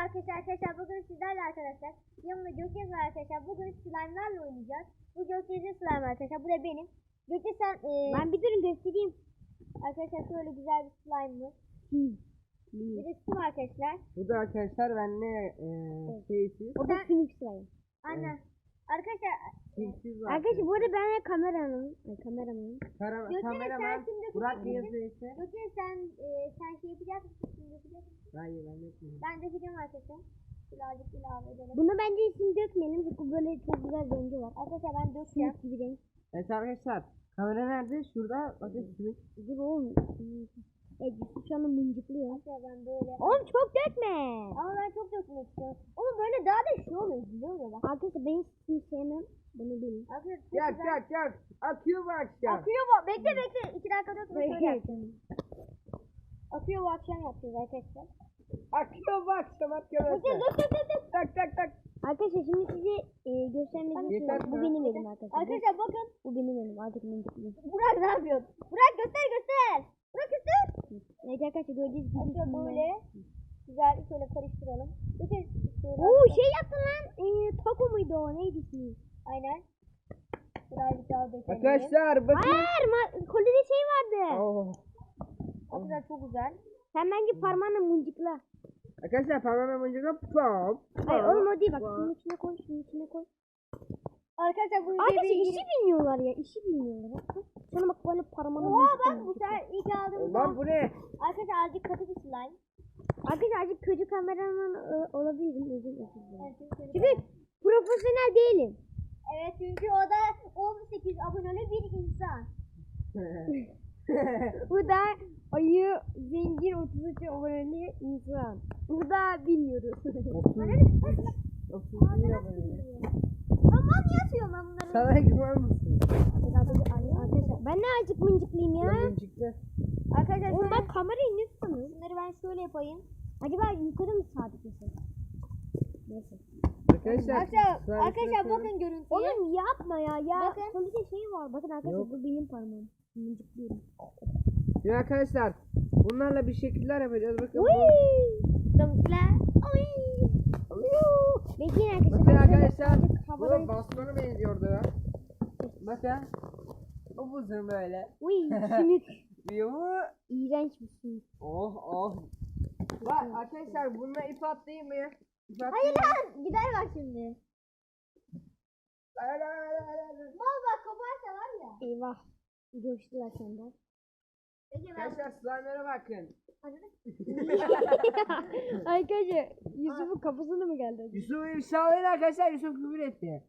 arkadaşlar bugün sizlerle arkadaşlar yanımda Gökçe var arkadaşlar. Bugün slime'larla oynayacağız. Bu Gökçe'nin slime arkadaşlar. Bu da benim. Gökçe sen Ben bir durun göstereyim. arkadaşlar şöyle güzel bir slime'ımız. Bir de sim arkadaşlar. Bu da arkadaşlar benle şeysiz. O da sümük slime. Aynen. Arkadaşlar Simsiz var. Arkadaşlar bu arada ben kameramanım. Kameramanım. Kameraman Burak yazıyorsa. Gökçe sen şey yapacak mısın? Sim yapacak mısın? Hayır ben yapmıyorum. Ben dökeceğim arkadaşlar. Birazcık ilave edelim. Bunu bence isim dökmeyelim çünkü böyle çok güzel rengi var. Arkadaşlar ben dökeceğim. Sümük gibi renk. Evet arkadaşlar. Kamera nerede? Şurada. Bakın sümük. Dur oğlum. Evet şu anda mıncıklıyor. Arkadaşlar ben böyle. Oğlum çok dökme. Ama ben çok dökmek istiyorum. Oğlum böyle daha da şey oluyor. Güzel oluyor bak. Arkadaşlar ben sümük sevmem. Bunu bilin. Arkadaşlar çok Yak güzel. yak yak. Akıyor bu akşam. Akıyor bu. Bekle bekle. 2 dakika dökme şöyle yapacağım. Akıyor bu akşam yapacağız arkadaşlar. Akıyor bu akşam arkadaşlar. Dök. Tak tak tak. Arkadaşlar şimdi size göstermek Yeter istiyorum. Bu mi? benim elim arkadaşlar. Arkadaşlar bakın. Bu benim elim. Artık mıncıklıyor. Burak ne yapıyor? Burak göster. Burak göster. Evet arkadaşlar gördüğünüz gibi. Arkadaşlar böyle. Güzel şöyle karıştıralım. Bakın. Oo şey yaptın lan. Taco muydu o? Neydi ismi? Aynen. Birazcık daha dökelim. Arkadaşlar bakın. Hayır, kolide şey vardı. Oh. Arkadaşlar çok güzel. Sen bence parmağınla mıncıkla. Arkadaşlar parmağım önce pop. Hayır oğlum o değil bak. Şunun içine koy, şunun içine koy. Arkadaşlar bu Arkadaşlar videoyu işi bilmiyorlar ya, işi bilmiyorlar. Sana bak böyle parmağınla Oha mıncıkla. bak bu sefer ilk aldığımız Lan bu ne? Arkadaşlar azıcık katı bir slime. Arkadaşlar azıcık kötü kameraman olabilirim. Özür dilerim. Evet, Çünkü profesyonel değilim. evet çünkü o da 18 aboneli bir insan. Bu da ayı zengin 33 aboneli insan. Bu da bilmiyoruz. Aman yatıyorum ben bunları. Sana güven misin? Arkadaşlar ben ne azıcık mıncıklayayım ya. Çıktı. Arkadaşlar Oğlum şöyle bak kamerayı ne tutuyorsun? bunları ben şöyle yapayım. Acaba yukarı mı sabitlesek? Neyse. Arkadaşlar bakın görüntüye. Oğlum yapma ya. Bakın. Kolide şey var. Bakın arkadaşlar Yok. bu benim parmağım. Mıncıklıyorum. Ya arkadaşlar bunlarla bir şekiller yapacağız. Bakın bu. Dımkla. Bekleyin arkadaşlar. Bakın ben şöyle arkadaşlar. azıcık Bu havadan- bastona benziyordu ya. Bakın. O buzun böyle. Uy sümük. Yuhu. İğrenç bir sümük. Oh oh. Bak arkadaşlar bununla ip atlayayım mı? İp atlayayım Hayır mı? lan gider bak şimdi. Mal bak koparsa var ya. Eyvah. Coştular senden. Peki ben Arkadaşlar slime'lara bakın. Arkadaşlar Yusuf'un kafasına mı geldi? Yusuf ifşalayın arkadaşlar. Yusuf küfür etti.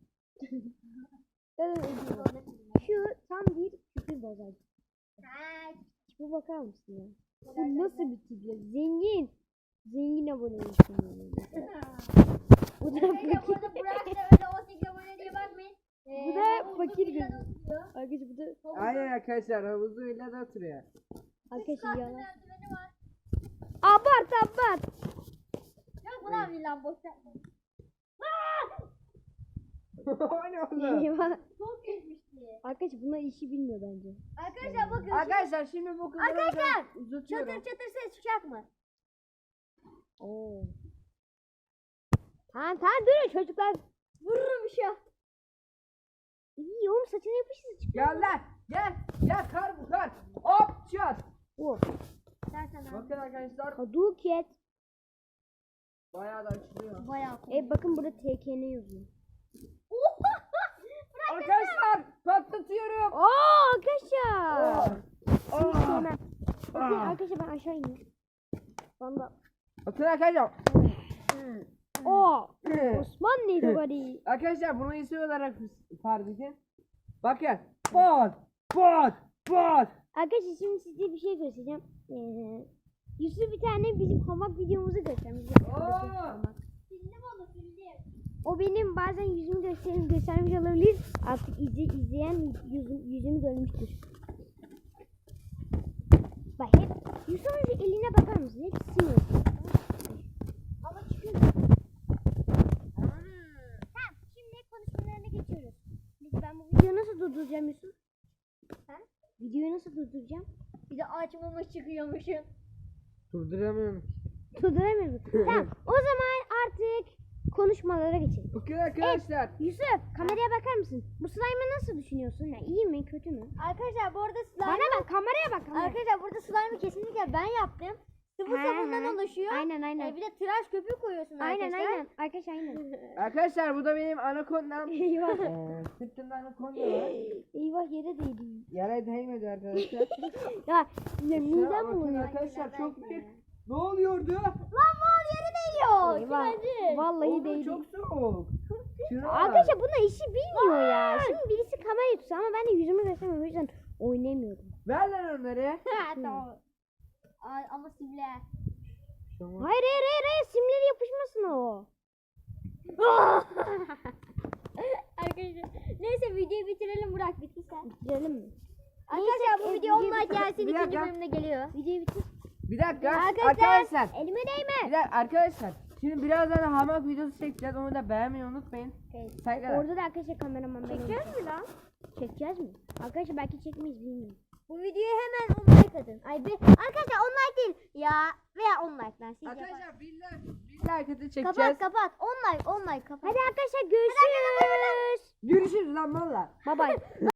Şu tam bir küfür bozacı. Bu bakar mısın ya? Bu nasıl bir tip ya? Zengin. Zengin aboneyim. Bu da fakir. burada Burak da öyle 18 abone diye bakmayın. Bu da fakir gözü. Arkadaşlar bu da Aynen arkadaşlar havuzuyla da oturuyor. arkadaşlar yalan. Merdiveni var. Abart. Yok ulan villan boş yapma. O ne oldu? Eyvah. Çok geçmişti. Arkadaşlar bunlar işi bilmiyor bence. Arkadaşlar bakın. Arkadaşlar şimdi bu kızları Arkadaşlar, uzatıyorum. çatır ses çıkacak mı? Oo. Tamam durun çocuklar. Vururum bir şey. İyi oğlum saçına yapışır çık. Gel lan gel. Gel kar bu kar. Hop çat. Oh. Dersen abi. Bakın arkadaşlar Hadouken. bayağı da açılıyor. Bayağı cool. Bakın burada TKN yazıyor. Arkadaşlar patlatıyorum. Arkadaşlar. Oh. Sevmem. Bakın arkadaşlar ben aşağı ineyim. Valla. Bakın arkadaşlar. Osmanlı'ydı bari. Arkadaşlar bunu isim olarak fark edin. Bakın. Bot. Arkadaşlar şimdi size bir şey göstereceğim. Yusuf bir tane bizim hamak videomuzu göstermiş. Sildim onu sildim. O benim bazen yüzümü göstermiş olabilir. Artık izleyen yüzümü görmüştür. Bak hep Yusuf'un eline bakar mısın? Hep sinir. Ama çıkıyor. Tamam şimdi konuşmalarına geçiyoruz. Ben bu videoyu nasıl durduracağım Yusuf? Ha? Videoyu nasıl durduracağım? Bir de açmamış çıkıyormuşum. Durduramıyorum. Durduramıyorum. Tamam o zaman konuşmalara geçelim. Bakın arkadaşlar. Yusuf kameraya bakar mısın? Bu slime'ı nasıl düşünüyorsun? Ya, iyi mi kötü mü? Arkadaşlar bu arada Bana slime bak kameraya bak. Kameraya. arkadaşlar burada slime'ı kesinlikle ben yaptım. Sıvı He, sabundan he. oluşuyor. Aynen. Bir de tıraş köpüğü koyuyorsun Aynen arkadaşlar. aynen. Arkadaşlar aynen. Arkadaşlar bu da benim anakondam. Eyvah. Sırtımda anakonda var. Eyvah yere değdi. Yere değmedi arkadaşlar. Ya Şuna midem bakın bulanıyor. arkadaşlar çok büyük. Ne oluyordu? Lan mal yere değiyor. Eyvah. Kiracı. Vallahi Oğlum değdi. çok soğuk. Şuna bak. Arkadaşlar buna işi bilmiyor ya. Şimdi birisi kamerayı tutsa ama ben de yüzümü göstermiyorum. O yüzden oynamıyorum. Ver lan onları. Ha, tamam. Ay, ama simle. Hayır. Simleri yapışmasın o. Arkadaşlar neyse videoyu bitirelim Burak bitti sen. Bitirelim mi? Arkadaşlar bu video 10 like gelsin Bir ikinci dakika. bölümde geliyor. Videoyu bitir. Bir dakika Arkadaşlar. arkadaşlar. Elime değme. Bir dakika arkadaşlar. Şimdi birazdan hamak videosu çekeceğiz. Onu da beğenmeyi unutmayın. Saygılar. Orada da arkadaşlar kameraman benim. Çekeceğiz mi lan? Çekeceğiz mi? Arkadaşlar belki çekmeyiz bilmiyorum. Bu videoya hemen 10 like atın. Arkadaşlar 10 like değil ya veya 10 like lan. Siz yapın. Arkadaşlar bir like atı çekeceğiz. Kapat 10 like kapat. Hadi arkadaşlar görüşürüz. Görüşürüz lan valla. Bye bye.